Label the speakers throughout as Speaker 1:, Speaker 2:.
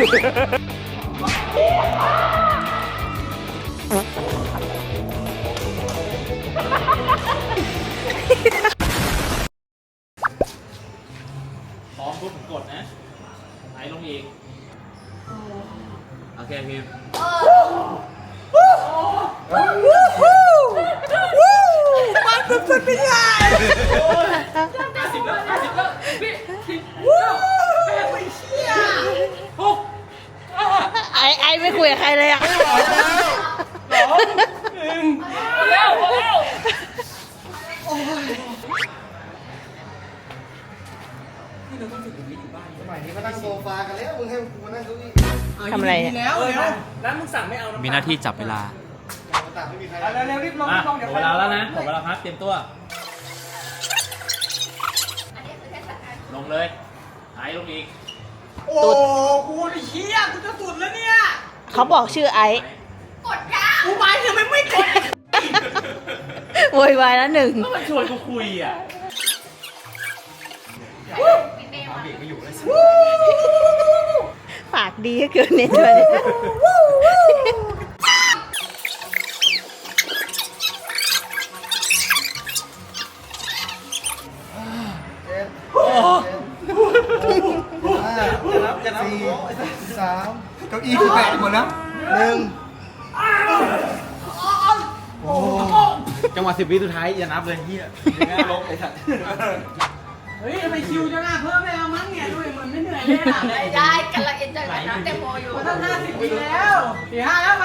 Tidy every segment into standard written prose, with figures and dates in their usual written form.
Speaker 1: พร้อมปุ๊บผมกดนะไหลลงอีกโอเคพิม
Speaker 2: มันสุดๆไปเลย
Speaker 1: 50 แล้วพี่
Speaker 3: ไอไม่คุยกับใครเลยอ่ะ
Speaker 1: แล้ว
Speaker 2: สมัยนี้มานั่งโซฟากันแล้วมึงให้กูมานั่งเก้าอี้
Speaker 3: ทำอะไรเนี่ย
Speaker 2: แล้วมึงสั่งไม่เอา
Speaker 1: มีหน้าที่จับเวลา
Speaker 2: ต่างไม่มีใคร
Speaker 4: เร็วๆรีบลง
Speaker 1: อ่ะ
Speaker 4: รีบลงเดี๋ยว
Speaker 1: เวลาแล้วนะหมดเวลาพักเตรียมตัวลงเลยไหลลงอีก
Speaker 4: โอ้กูเฮียกูจะสุดแล้วเนี่ย
Speaker 3: เขาบอกชื่อไอซ์
Speaker 4: กูหมายถึงไม่กด
Speaker 3: โวยวายแล้วหนึ่ง
Speaker 1: ก็มาชวนกูคุยอ่ะ
Speaker 3: ปากดีเกินเนี่ยตัวนี้
Speaker 2: จะนับ4 3เก้าอี้คือแตกหมดแล้วจังหวะ10 วิสุดท้ายอย่านับเลยเฮียง่ายลงไอ้สัตว์
Speaker 4: เฮ้ยทำไมคิวจะน่าเพิ่มไม่เอามั้งเนี่ยด้วยเหมือนไม่เหนื่อยเลยอ่ะ
Speaker 5: ไม่ได้กำลังเอ็นจอยกับน้ำแตงโมอยู่
Speaker 4: มันต้อง50 ปีแล้ว4-5แล้วไหม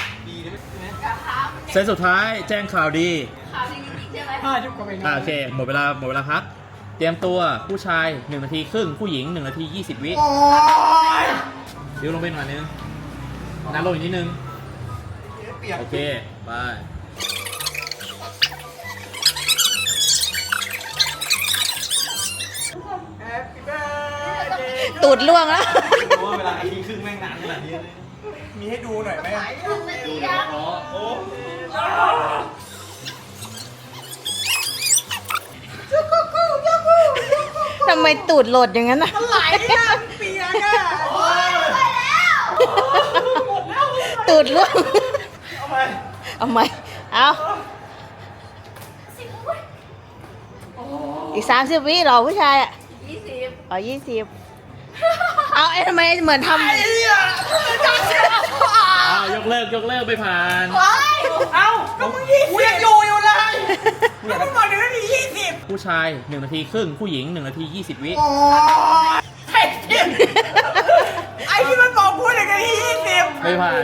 Speaker 1: เซตสุดท้ายแจ้งข่าวดี
Speaker 5: ข่าวดีจริงๆใช่ไหม
Speaker 4: จุกกว่าไป
Speaker 1: โอเคหมดเวลาพักเตรียมตัวผู้ชาย1 นาทีครึ่งผู้หญิง1 นาที 20 วิเดี๋ยวลงไปหน่อยนึงน้ำลงอีกนิดนึงโอเคไป
Speaker 3: ตูดล่วงแล้ว
Speaker 2: ว่าเวลาไอ้ครึ่งแม่งนานขนาดนี้มีให้ดูหน่อยไหม
Speaker 5: ดียัง
Speaker 2: โอ้
Speaker 3: ทำไมตูดโหลดอย่างนั้นอ่ะ
Speaker 4: ไหลอ่ะเปียกอ่ะ
Speaker 3: ตูดล่วง
Speaker 2: เอาไป
Speaker 3: เอาไหมเอาอีก30 วิเหรอผู้ชายอ่ะ
Speaker 5: 20
Speaker 3: อ๋อ20เอาไอ้ทำไมเหมือนทำ
Speaker 1: อ้าวยกเลิกไปผ่าน
Speaker 4: เอ้าก็มึง20กูยังอยู่เลยแล้วมึงบอกเดี๋ยวนี้20
Speaker 1: ผู้ชาย1 นาทีครึ่งผู้หญิง1 นาที 20 วิ
Speaker 4: ไอ้ที่มันบอกพูดอย่างนี้20
Speaker 1: ไม่ผ่าน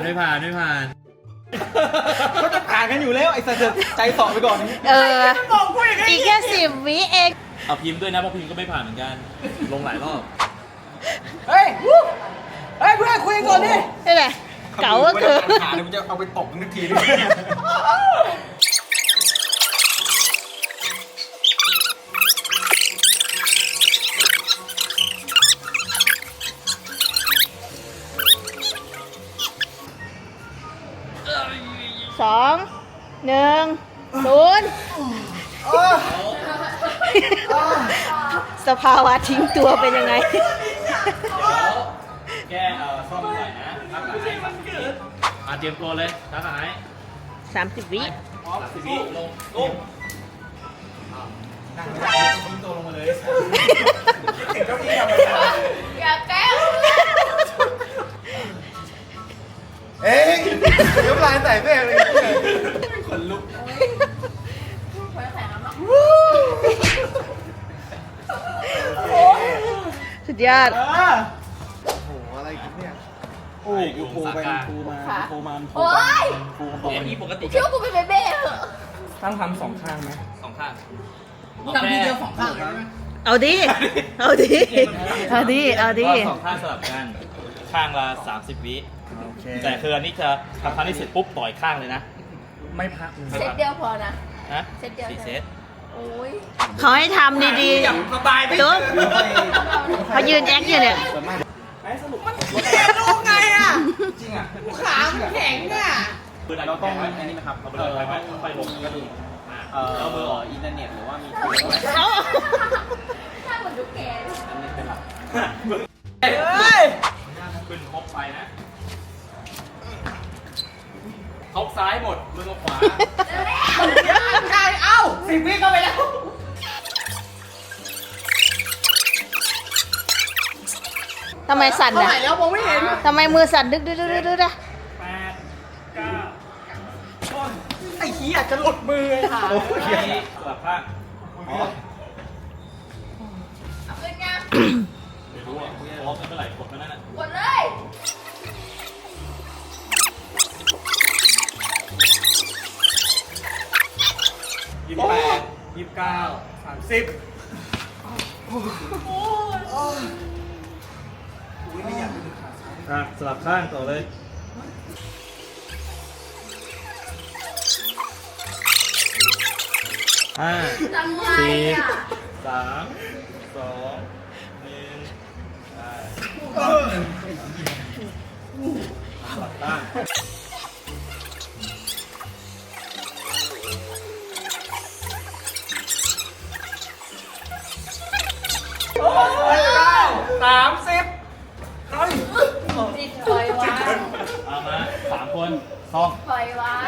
Speaker 2: ก็จะผ่านกันอยู่แล้วไอ้สัตว์ใจสอบไปก่อน
Speaker 3: เออ
Speaker 4: มันบอกพูดอย่างนี้
Speaker 3: อีกแค่10 วิเอง
Speaker 1: เอาพิมพ์ด้วยนะเพราะพิมพ์ก็ไม่ผ่านเหมือนกันลงหลายรอบ
Speaker 4: เฮ้ยเพื่อนคุยกันก่อนดิ
Speaker 3: นี่แหละเก๋าก็คือ
Speaker 2: ขาเดี๋ยวมันจะเอาไปตบมันทีนึง
Speaker 3: 2 1 0สภาวะทิ้งตัวเป็นยังไง
Speaker 1: แก้ซ่อมหน่อยนะทักหายเตรียมตัวเลยทักหาย
Speaker 3: 30 วิ
Speaker 1: 30 วิลง
Speaker 2: นั่งไม่ได้ทิ้งตัวลงมาเลยถึงเก้าอี้ทำไม
Speaker 5: อย่าแกล้ง
Speaker 2: เองเดี๋ยวลายใส่แม่เลยคนลุก
Speaker 5: คนแข่งแล้วมั้ง
Speaker 3: สุดยอด
Speaker 2: โอ้โหอะไรกันเนี่ยโอ้กูโทรไปโทรมา
Speaker 5: โอ๊ย
Speaker 1: เอ็มอีปกติ
Speaker 5: คิดว่ากูเป็นเบเบ้เหรอ
Speaker 2: ตั้งทำ2 ข้างไหม
Speaker 1: 2 ข้าง
Speaker 4: ทำทีเดียว2 ข้างเลยไหม
Speaker 3: เอาดิ เอาดิ เอาดิ เอาดิ
Speaker 1: สองข้างสลับกันข้างละ30 วิ
Speaker 2: โอเค
Speaker 1: แต่คืออันนี้จะทำครั้งที่เสร็จปุ๊บต่อยข้างเลยนะ
Speaker 2: ไม่พักเลย
Speaker 5: เซตเดียวพอนะ
Speaker 1: ฮะ
Speaker 5: เซตเดียว
Speaker 1: 4 เซต
Speaker 5: โอ้ย
Speaker 3: เขาให้ทำดี
Speaker 2: สบายไป
Speaker 3: ๆตุ๊กเขายืนแอคอยู่เนี่ย
Speaker 4: เรียนรู้ไงอ่ะ
Speaker 2: จริงอ่ะ
Speaker 4: ขามันแข็งอ่ะ
Speaker 2: เราต้องอันนี้ไหมครับ
Speaker 1: เอาไปเลยไปลงก็ดูเอามือออก
Speaker 2: อินเทอร์เน็ตหรือว่ามี
Speaker 5: ถ้าเหมือนดูแก
Speaker 4: เฮ้ย
Speaker 1: ขึ้นครบไปนะเขาซ้ายหมดมึงเอาขวา
Speaker 4: ใช่เอ้า10 วิเข้าไปแล้ว
Speaker 3: ทำไมสั่น
Speaker 4: เท่า
Speaker 3: อ่ะ
Speaker 4: ไหร่แล้วมองไม่เห็น
Speaker 3: ทำไมมือสั่นดึกดึกดึกดึกดึกอะ
Speaker 4: ไอ้เหี้ยจะหลุดมือเลยค่ะ
Speaker 1: โอเคสลับข้างอ๋อ
Speaker 5: เอาขึ้นยัง
Speaker 1: ไม่รู้อ่ะพร้อมกันเมื่อไหร่กดมานั่นน่ะ
Speaker 5: กดเลย
Speaker 4: 28 29 30
Speaker 1: สลับข้างต่อเลยห้า
Speaker 5: ทำไม
Speaker 1: สี่
Speaker 5: อ่ะ
Speaker 1: สามสองหนึ่งสลับข้าง
Speaker 5: ติดปล่อยวาง
Speaker 1: เอามา3 คนซ่อม
Speaker 5: ปล่อยวาง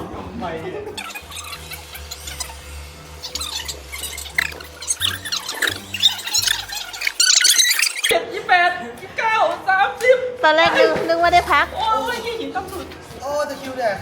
Speaker 3: ตอนแรกนึกว่าได้พัก
Speaker 2: โอ้ตะคริวแดก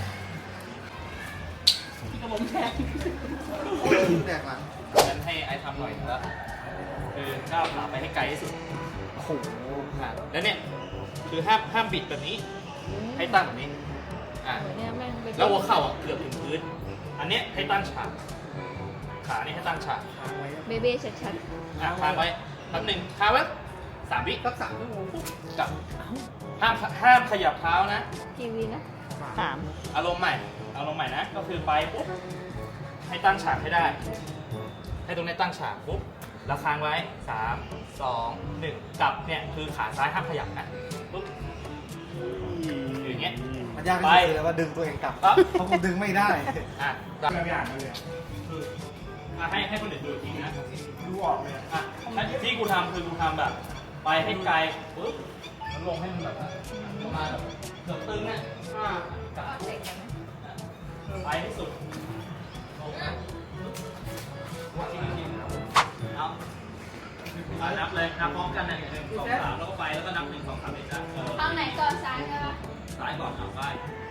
Speaker 2: โอ้ตะคริวแดกหลัง
Speaker 1: งั้นให้ไอ้ทำหน่อยแล้วคือก้าวขาไปให้ไกลที่สุดโอ้โหแล้วเนี่ยคือห้ามบิดแบบนี้ ให้ตั้งแบบนี้อ่ะ
Speaker 5: เนี่ยแม่งไป
Speaker 1: แล้วหัวเข่าอ่ะเกือบถึงพื้น อันเนี้ยให้ตั้งฉากขานี่ให้ตั้งฉาก
Speaker 5: เบเบ้ชัด
Speaker 1: อ่ะค้างไว้แป๊บหนึ่งค้างไว้3 วิ
Speaker 4: สัก3 ชั่วโมง
Speaker 1: กลับห้ามขยับเท้านะ
Speaker 5: ๆทีวีนะ
Speaker 1: อารมณ์ใหม่นะ ก็คือไปปุ๊บให้ตั้งฉากให้ได้ ให้ตรงนี้ตั้งฉากปุ๊บแล้วค้างไว้3 2 1กลับเนี่ยคือขาซ้ายห้ามขยับนะปุ๊บอยู่อย่างเงี้ย
Speaker 2: มันยากที่สุดเลยว่าดึงตัวเองกลับ
Speaker 1: ปั๊บ
Speaker 2: เพราะกูดึงไม่ได้
Speaker 1: อ่ะแบบอย่างเลยคืออ่ะให้คนอื่นดูอีกทีนะดูออกเลยอ่ะที่กูทำคือกูทำแบบ ไปให้ไกลปุ๊บแล้วลงให้มันแบบประมาณแบบเกือบตึงอ่ะกลับ
Speaker 5: เด็กกันไหม
Speaker 1: ไปที่สุดลงนะวัดจริงๆเอานับเลยนับพร้อมกันนะ1 2 3แล้วก็ไปแล้วก็นับ1 2 3เลยจ้ะ
Speaker 5: ข้างไหนก่อนซ้ายใช่ปะ
Speaker 1: ซ้ายก่อนเอาไป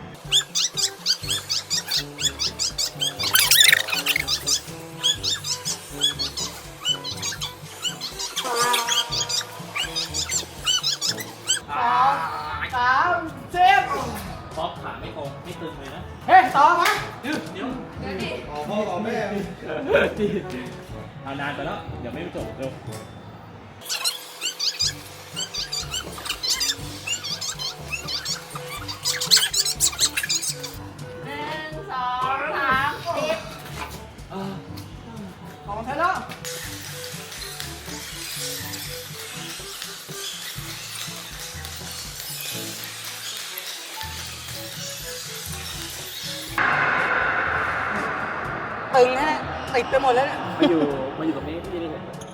Speaker 1: พร้อมขาไม่ตรงไม่ตึงเลยนะ
Speaker 4: เฮ้ยต่อมา
Speaker 1: เดี๋ยว
Speaker 5: เดี๋ยวดิ
Speaker 2: อ๋อพ่ออ๋อแม่
Speaker 1: เอานานไปแล้วเดี๋ยวไม่จบเร็ว
Speaker 5: 1 2 3 10
Speaker 4: ของเธอแล้วตึงฮะติดไปหมดแล้วเนี่ย
Speaker 1: มาอยู่ตรงนี้ที่นี่เห็น